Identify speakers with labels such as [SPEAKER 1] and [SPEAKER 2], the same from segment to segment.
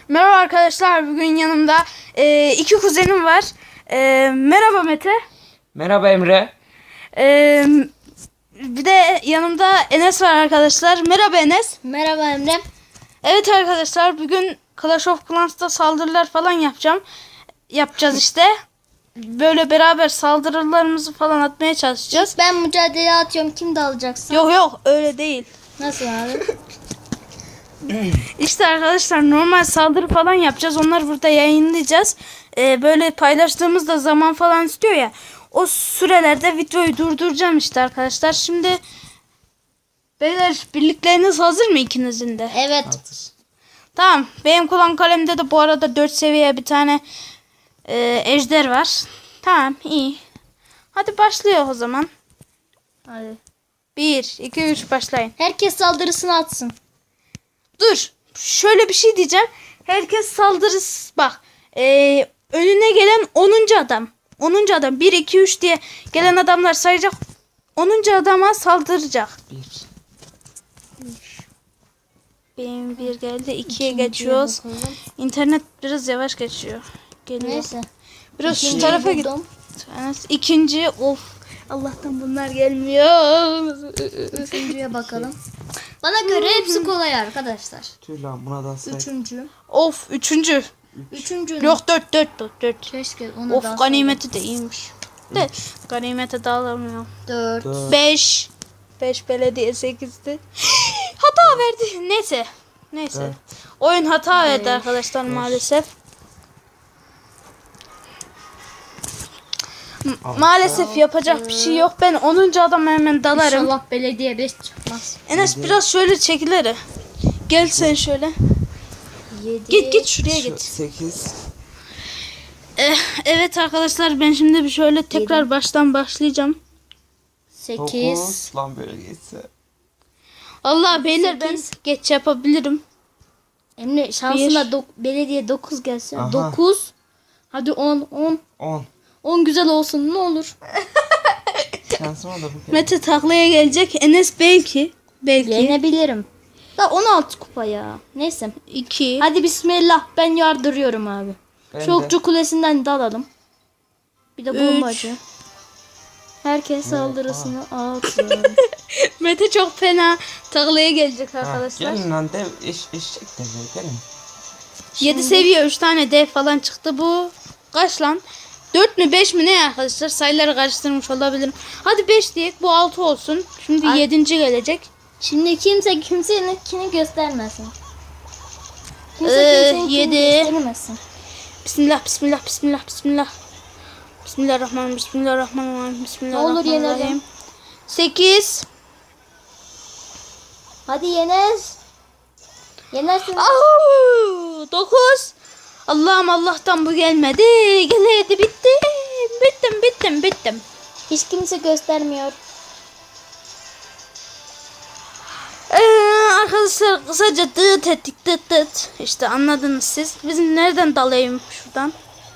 [SPEAKER 1] Merhaba arkadaşlar, bugün yanımda iki kuzenim var. Merhaba Mete.
[SPEAKER 2] Merhaba Emre.
[SPEAKER 1] E, Bir de yanımda Enes var arkadaşlar. Merhaba Enes.
[SPEAKER 3] Merhaba Emre.
[SPEAKER 1] Evet arkadaşlar, bugün Clash of Clans'ta saldırılar falan yapacağız işte. Böyle beraber saldırılarımızı falan atmaya çalışacağız.
[SPEAKER 3] Ben mücadele atıyorum. Kim dalacaksın?
[SPEAKER 1] Yok öyle değil.
[SPEAKER 3] Nasıl abi?
[SPEAKER 1] İşte arkadaşlar normal saldırı falan yapacağız. Onları burada yayınlayacağız. Böyle paylaştığımızda zaman falan istiyor ya. O sürelerde videoyu durduracağım işte arkadaşlar. Şimdi beyler, birlikleriniz hazır mı ikinizin de?
[SPEAKER 3] Evet.
[SPEAKER 1] Tamam. Benim kullan kalemde de bu arada 4 seviye bir tane ejder var. Tamam, iyi. Hadi başlıyor o zaman.
[SPEAKER 3] Hadi.
[SPEAKER 1] 1, 2, 3 başlayın.
[SPEAKER 3] Herkes saldırısını atsın.
[SPEAKER 1] Dur. Şöyle bir şey diyeceğim. Herkes saldırısı bak. Önüne gelen 10. adam. 10. adam 1, 2, 3 diye gelen adamlar sayacak. 10. adama saldıracak. Benim bir geldi. 2'ye geçiyoruz.
[SPEAKER 3] Bakalım.
[SPEAKER 1] İnternet biraz yavaş geçiyor. Geliyor.
[SPEAKER 3] Neyse.
[SPEAKER 1] Biraz şu
[SPEAKER 3] İkinciyi
[SPEAKER 1] tarafa git.
[SPEAKER 3] buldum.
[SPEAKER 1] İkinci. Of. Allah'tan bunlar gelmiyor.
[SPEAKER 3] Üçüncüye bakalım. Bana göre hepsi kolay arkadaşlar.
[SPEAKER 2] Tüh lan buna da say.
[SPEAKER 3] Üçüncü.
[SPEAKER 1] Of. Üçüncü.
[SPEAKER 3] Üçüncü.
[SPEAKER 1] Yok 4.
[SPEAKER 3] Keşke ona
[SPEAKER 1] Of,
[SPEAKER 3] daha
[SPEAKER 1] ganimeti de iyiymiş. De ganimete dağılamıyor.
[SPEAKER 3] 4.
[SPEAKER 1] 5 belediye 8'di. Hata verdi. Neyse.
[SPEAKER 2] Evet.
[SPEAKER 1] Oyun hata verdi arkadaşlar maalesef. Maalesef yapacak bir şey yok. Ben 10. adama hemen dalarım.
[SPEAKER 3] İnşallah belediye 5 çıkmaz.
[SPEAKER 1] Enes biraz şöyle çekilir. Gel sen şöyle.
[SPEAKER 3] 7.
[SPEAKER 1] Git şuraya git.
[SPEAKER 2] 8.
[SPEAKER 1] Evet arkadaşlar, ben şimdi bir şöyle tekrar baştan başlayacağım.
[SPEAKER 3] 8.
[SPEAKER 2] 9. Lan böyle geçse.
[SPEAKER 1] Allah beyler, ben
[SPEAKER 3] 8.
[SPEAKER 1] geç yapabilirim.
[SPEAKER 3] Emre şansına belediye 9 gelsin.
[SPEAKER 2] Aha.
[SPEAKER 3] 9. Hadi 10.
[SPEAKER 2] 10.
[SPEAKER 3] 10 güzel olsun ne olur.
[SPEAKER 2] Şansıma da bu.
[SPEAKER 1] Mete taklaya gelecek. Enes belki.
[SPEAKER 3] Yenebilirim. Da 16 kupa ya. Neyse.
[SPEAKER 1] 2.
[SPEAKER 3] Hadi bismillah, ben yardırıyorum abi.
[SPEAKER 2] Ben
[SPEAKER 3] Şu
[SPEAKER 2] de.
[SPEAKER 3] okçu kulesinden dalalım. Bir de
[SPEAKER 1] Üç.
[SPEAKER 3] bombacı. Herkes saldırısını alsın.
[SPEAKER 1] Mete çok fena taklaya gelecek
[SPEAKER 2] Ha,
[SPEAKER 1] arkadaşlar.
[SPEAKER 2] gelin lan dev eşek de gelin.
[SPEAKER 1] 7 seviye 3 tane dev falan çıktı bu. Kaç lan? 4 mü 5 mi ne arkadaşlar? Sayıları karıştırmış olabilirim. Hadi 5 diyek, bu 6 olsun. Şimdi 7. gelecek.
[SPEAKER 3] Şimdi kimse kimseninkini göstermesin.
[SPEAKER 1] Yedi.
[SPEAKER 3] göstermesin.
[SPEAKER 1] Bismillah. Bismillahirrahmanirrahim.
[SPEAKER 3] yenelim.
[SPEAKER 1] 8.
[SPEAKER 3] Hadi Yenes. Yenersin.
[SPEAKER 1] 9. Allah'tan bu gelmedi. Geleydi bittim.
[SPEAKER 3] Hiç kimse göstermiyor.
[SPEAKER 1] Arkadaşlar kısaca dıt ettik. İşte anladınız siz. Bizim nereden dalayım şuradan?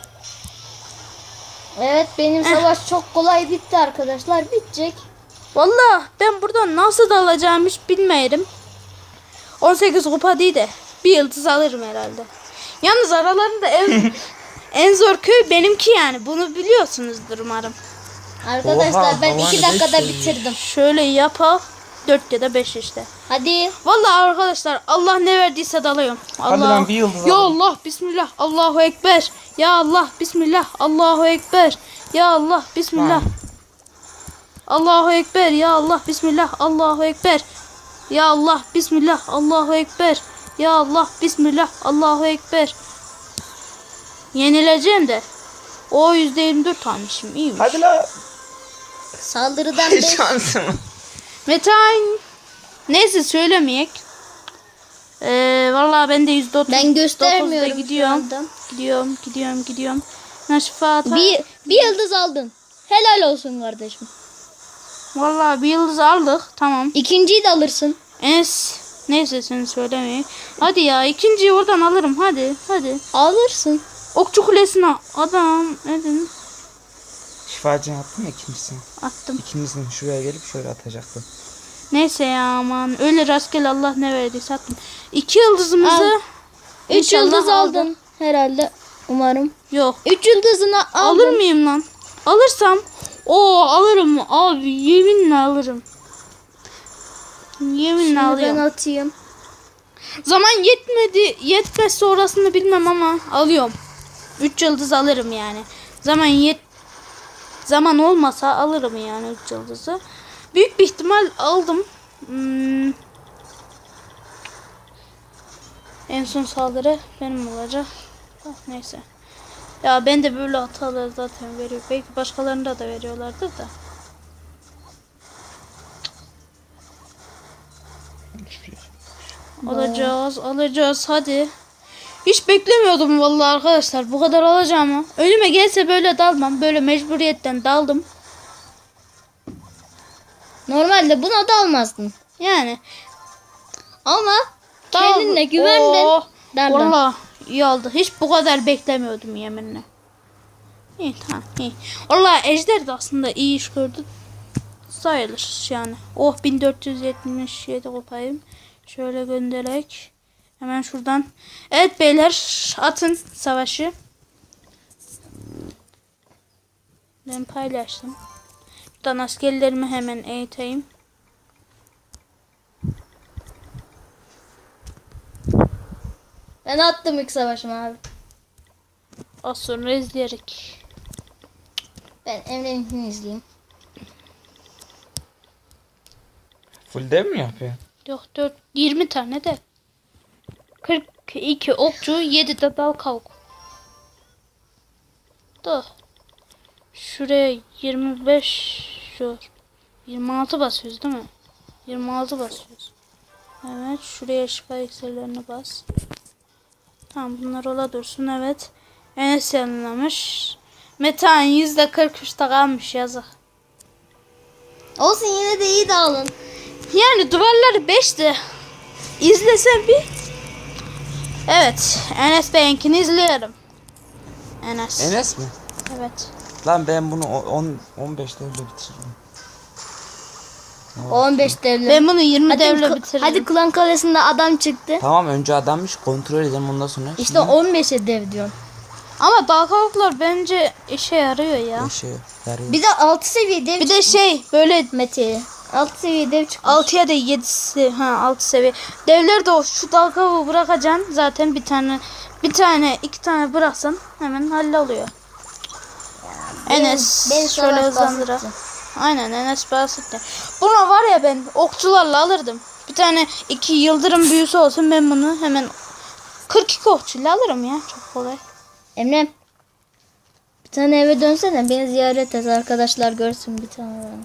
[SPEAKER 3] Evet, benim savaş çok kolay bitti arkadaşlar. Bitecek.
[SPEAKER 1] Vallahi ben buradan nasıl dalacağımı hiç bilmiyorum. 18 kupa değil de bir yıldız alırım herhalde. Yalnız aralarında en zor köy benimki yani. Bunu biliyorsunuzdur umarım.
[SPEAKER 3] Arkadaşlar
[SPEAKER 2] Oha,
[SPEAKER 3] ben
[SPEAKER 2] havan
[SPEAKER 3] 2 dakikada
[SPEAKER 2] beş
[SPEAKER 3] bitirdim.
[SPEAKER 1] Şöyle yapalım. 4 ya da 5 işte.
[SPEAKER 3] Hadi.
[SPEAKER 1] Vallahi arkadaşlar, Allah ne verdiyse dalıyorum.
[SPEAKER 2] Hadi lan bir yıldız
[SPEAKER 1] Ya
[SPEAKER 2] alalım.
[SPEAKER 1] Allah bismillah. Allahu ekber. Ya Allah bismillah. Allahu ekber. Ya Allah bismillah. Allahu ekber. Ya Allah bismillah. Allahu ekber. Ya Allah bismillah. Allahu ekber. Ya Allah bismillah. Allahu ekber. Yenileceğim de. O %24 almışım. İyiymiş.
[SPEAKER 2] Hadi lan.
[SPEAKER 3] Saldırıdan 5.
[SPEAKER 2] Şansım.
[SPEAKER 1] Metan. Neyse söylemeyek. Vallahi ben de %30.
[SPEAKER 3] Ben göstermiyorum
[SPEAKER 1] 9'da gidiyorum.
[SPEAKER 3] şu anda.
[SPEAKER 1] Gidiyorum. Naşifata.
[SPEAKER 3] Bir yıldız aldın. Helal olsun kardeşim.
[SPEAKER 1] Vallahi bir yıldız aldık. Tamam.
[SPEAKER 3] İkinciyi de alırsın.
[SPEAKER 1] Neyse sen söylemeyin. Hadi ya, ikinciyi oradan alırım. Hadi.
[SPEAKER 3] Alırsın.
[SPEAKER 1] Okçu kulesine adam edin.
[SPEAKER 2] Şifacını attın mı ikincisini?
[SPEAKER 1] Attım.
[SPEAKER 2] İkimizin şuraya gelip şöyle atacaktı.
[SPEAKER 1] Neyse ya, aman öyle rastgele Allah ne verdiyse attım. 2 yıldızımızı
[SPEAKER 3] 3
[SPEAKER 1] İnşallah
[SPEAKER 3] yıldız
[SPEAKER 1] aldım.
[SPEAKER 3] aldın herhalde. Umarım.
[SPEAKER 1] Yok.
[SPEAKER 3] 3 yıldızını aldın.
[SPEAKER 1] Alır mıyım lan? Alırsam alırım abi, yeminle alırım. Yeminle
[SPEAKER 3] Şimdi ben
[SPEAKER 1] alıyorum.
[SPEAKER 3] atayım.
[SPEAKER 1] Zaman yetmezse orasını bilmem ama alıyorum. 3 yıldız alırım yani. Zaman olmasa alırım yani 3 yıldızı. Büyük bir ihtimal aldım. En son saldırı benim olacak. Neyse. Ya ben de böyle hataları zaten veriyor. Belki başkalarında da veriyorlardır da. Alacağız hadi. Hiç beklemiyordum vallahi arkadaşlar bu kadar alacağımı. Önüme gelse böyle dalmam. Böyle mecburiyetten daldım.
[SPEAKER 3] Normalde buna da almazdın.
[SPEAKER 1] Yani.
[SPEAKER 3] Ama kendinle güvendin. Dardın.
[SPEAKER 1] Vallahi iyi oldu. Hiç bu kadar beklemiyordum yeminle. İyi tamam iyi. Vallahi Ejder de aslında iyi iş gördü. Sayılır yani. 1477 kopayım. Şöyle göndererek. Hemen şuradan. Evet beyler, atın savaşı. Ben paylaştım. Buradan askerlerimi hemen eğiteyim.
[SPEAKER 3] Ben attım ilk savaşımı abi.
[SPEAKER 1] Az sonra izleyerek.
[SPEAKER 3] Ben Emre'ninkini izleyeyim.
[SPEAKER 2] Full dev mi yapıyor?
[SPEAKER 1] Yok 20 tane de. 42 okçu, 7 de dal kavuk. Da. Şuraya 25 şu 26 basıyoruz değil mi? 26 basıyoruz. Evet, şuraya şifa iksirlerini bas. Tamam, bunlar ola dursun. Evet. Enes yanılamış. Metan %43'te kalmış, yazık.
[SPEAKER 3] Olsun, yine de iyi dağılın.
[SPEAKER 1] Yani duvarları 5'ti. İzlesem bir. Evet. Enes Bey'inkini izliyorum. Enes.
[SPEAKER 2] Enes mi?
[SPEAKER 1] Evet.
[SPEAKER 2] Lan ben bunu 15 devle bitiririm.
[SPEAKER 3] 15 devlet.
[SPEAKER 1] Ben bunu 20
[SPEAKER 3] Hadi
[SPEAKER 1] devle bitiririm.
[SPEAKER 3] Hadi Klan Kalesi'nde adam çıktı.
[SPEAKER 2] Tamam, önce adammış, kontrol edelim ondan sonra.
[SPEAKER 3] İşte 15'e dev diyorum.
[SPEAKER 1] Ama dal kavuklar bence işe yarıyor ya.
[SPEAKER 2] Şey yarıyor.
[SPEAKER 3] Bir de 6 seviye dev
[SPEAKER 1] Bir de böyle
[SPEAKER 3] Mete'ye. 6 seviye dev çıkmış.
[SPEAKER 1] 6'ya da 7'si 6 seviye. Devleri de şu dal kavuğu bırakacaksın. Zaten bir tane 2 tane bıraksan hemen halloluyor. Enes
[SPEAKER 3] benim
[SPEAKER 1] şöyle
[SPEAKER 3] savaş
[SPEAKER 1] hızlandıra.
[SPEAKER 3] basitti.
[SPEAKER 1] Aynen, Enes bahsetti. Buna var ya, ben okçularla alırdım. Bir tane 2 yıldırım büyüsü olsun, ben bunu hemen 42 okçuyla alırım ya. Çok kolay.
[SPEAKER 3] Emre. Bir tane eve dönsene, beni ziyaret et, arkadaşlar görsün bir tane bana.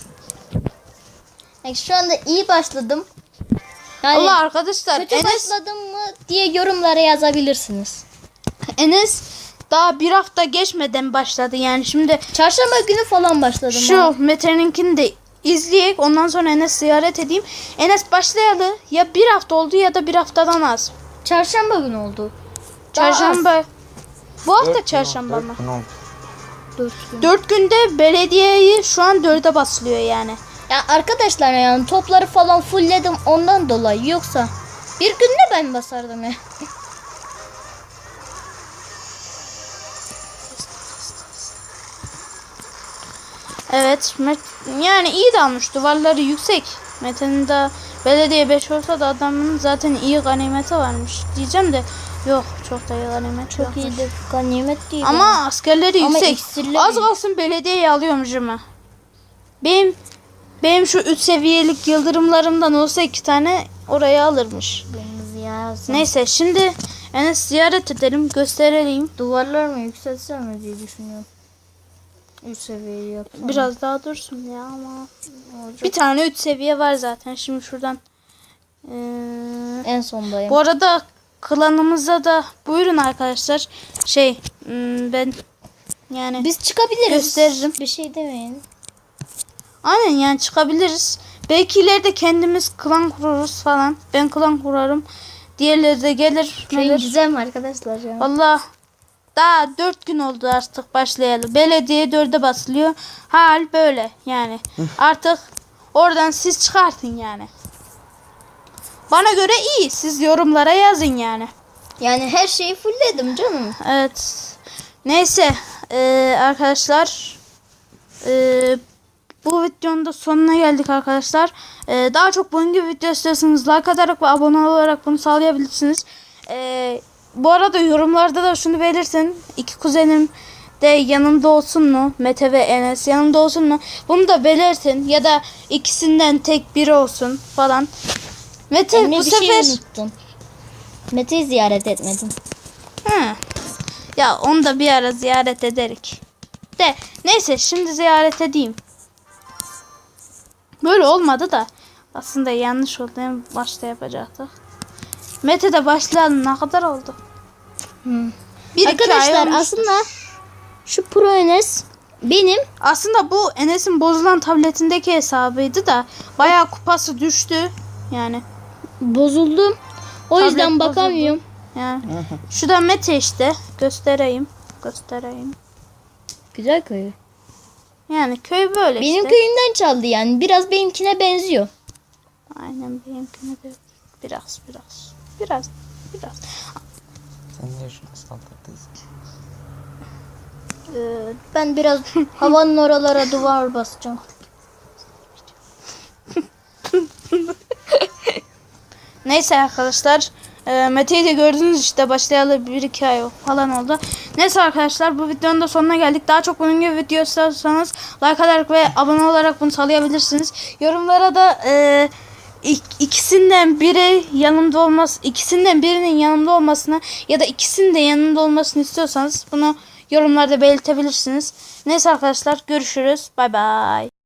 [SPEAKER 3] Yani şu anda iyi başladım. Yani
[SPEAKER 1] Allah arkadaşlar,
[SPEAKER 3] kötü
[SPEAKER 1] Enes
[SPEAKER 3] başladım mı diye yorumlara yazabilirsiniz.
[SPEAKER 1] daha bir hafta geçmeden başladı yani. Şimdi
[SPEAKER 3] Çarşamba günü falan başladım.
[SPEAKER 1] şu Mete'ninkini de izleyek, ondan sonra Enes ziyaret edeyim. Enes başlayalı ya bir hafta oldu ya da bir haftadan az.
[SPEAKER 3] Çarşamba günü oldu. Daha
[SPEAKER 1] Çarşamba. Bu hafta
[SPEAKER 2] 4
[SPEAKER 1] çarşamba mı?
[SPEAKER 3] 4 gün.
[SPEAKER 1] 4 günde belediyeyi şu an 4'e basılıyor yani.
[SPEAKER 3] Ya arkadaşlar, yani topları falan fullledim ondan dolayı, yoksa bir günde ben basardım ya.
[SPEAKER 1] Evet, yani iyi de almış, duvarları yüksek. Mete'nin de belediye 5 olsa da adamın zaten iyi ganimeti varmış diyeceğim de yok, çok da iyi ganimet
[SPEAKER 3] Çok
[SPEAKER 1] yokmuş.
[SPEAKER 3] iyi de ganimet değil.
[SPEAKER 1] Ama askerleri
[SPEAKER 3] Ama
[SPEAKER 1] yüksek.
[SPEAKER 3] iksirleri-
[SPEAKER 1] Az kalsın belediyeyi alıyormuş ama. Benim şu 3 seviyelik yıldırımlarımdan olsa 2 tane oraya alırmış. Neyse, şimdi Enes ziyaret edelim, gösterelim.
[SPEAKER 3] Duvarlar mı yükseltsem mi diye düşünüyorum. 3 seviyeyi yapsam.
[SPEAKER 1] Biraz daha dursun ya ama. Bir tane 3 seviye var zaten. Şimdi şuradan.
[SPEAKER 3] En sondayım.
[SPEAKER 1] Bu arada klanımıza da buyurun arkadaşlar. Ben yani
[SPEAKER 3] Biz çıkabiliriz.
[SPEAKER 1] gösteririm.
[SPEAKER 3] Bir şey demeyin.
[SPEAKER 1] Aynen, yani çıkabiliriz. Belki ileride kendimiz klan kururuz falan. Ben klan kurarım. Diğerleri de gelir.
[SPEAKER 3] Güzel mi arkadaşlar ya?
[SPEAKER 1] Valla daha 4 gün oldu artık başlayalı. Belediye 4'e basılıyor. Hal böyle yani. Artık oradan siz çıkartın yani. Bana göre iyi. Siz yorumlara yazın yani.
[SPEAKER 3] Yani her şeyi fullledim canım.
[SPEAKER 1] Evet. Neyse arkadaşlar bu videonun da sonuna geldik arkadaşlar. Daha çok bunun gibi video istiyorsanız like atarak ve abone olarak bunu sağlayabilirsiniz. Bu arada yorumlarda da şunu belirtin. İki kuzenim de yanımda olsun mu? Mete ve Enes yanımda olsun mu? Bunu da belirtin. Ya da ikisinden tek biri olsun falan. Mete
[SPEAKER 3] Emre
[SPEAKER 1] bu
[SPEAKER 3] bir
[SPEAKER 1] sefer...
[SPEAKER 3] şey unuttun. Mete'yi ziyaret etmedin.
[SPEAKER 1] Ha. Ya onu da bir ara ziyaret ederik. De neyse şimdi ziyaret edeyim. Böyle olmadı da aslında yanlış oldu. En başta yapacaktık. Mete'de başlayalım. Ne kadar oldu? Bir iki ay
[SPEAKER 3] Arkadaşlar
[SPEAKER 1] olmuştur.
[SPEAKER 3] aslında şu Pro Enes benim
[SPEAKER 1] Aslında bu Enes'in bozulan tabletindeki hesabıydı da bayağı kupası düştü. Yani
[SPEAKER 3] bozuldum. O
[SPEAKER 1] Tablet
[SPEAKER 3] yüzden
[SPEAKER 1] bozuldu.
[SPEAKER 3] bakamıyorum.
[SPEAKER 1] yani şu da Mete işte. Göstereyim.
[SPEAKER 3] Güzel köy.
[SPEAKER 1] Yani köy böyle
[SPEAKER 3] Benim
[SPEAKER 1] işte.
[SPEAKER 3] köyümden çaldı yani. Biraz benimkine benziyor.
[SPEAKER 1] Aynen benimkine de biraz.
[SPEAKER 2] Sen niye şunu saldırdıysan?
[SPEAKER 3] Ben biraz havanın oralara duvar basacağım.
[SPEAKER 1] Neyse arkadaşlar. Mete'yi de gördünüz işte başlayalı 1-2 ay falan oldu. Neyse arkadaşlar bu videonun da sonuna geldik. Daha çok bunun gibi video istiyorsanız like atarak ve abone olarak bunu sağlayabilirsiniz. Yorumlara da ikisinden birinin yanımda olmasını ya da ikisinin de yanımda olmasını istiyorsanız bunu yorumlarda belirtebilirsiniz. Neyse arkadaşlar görüşürüz. Bay bay.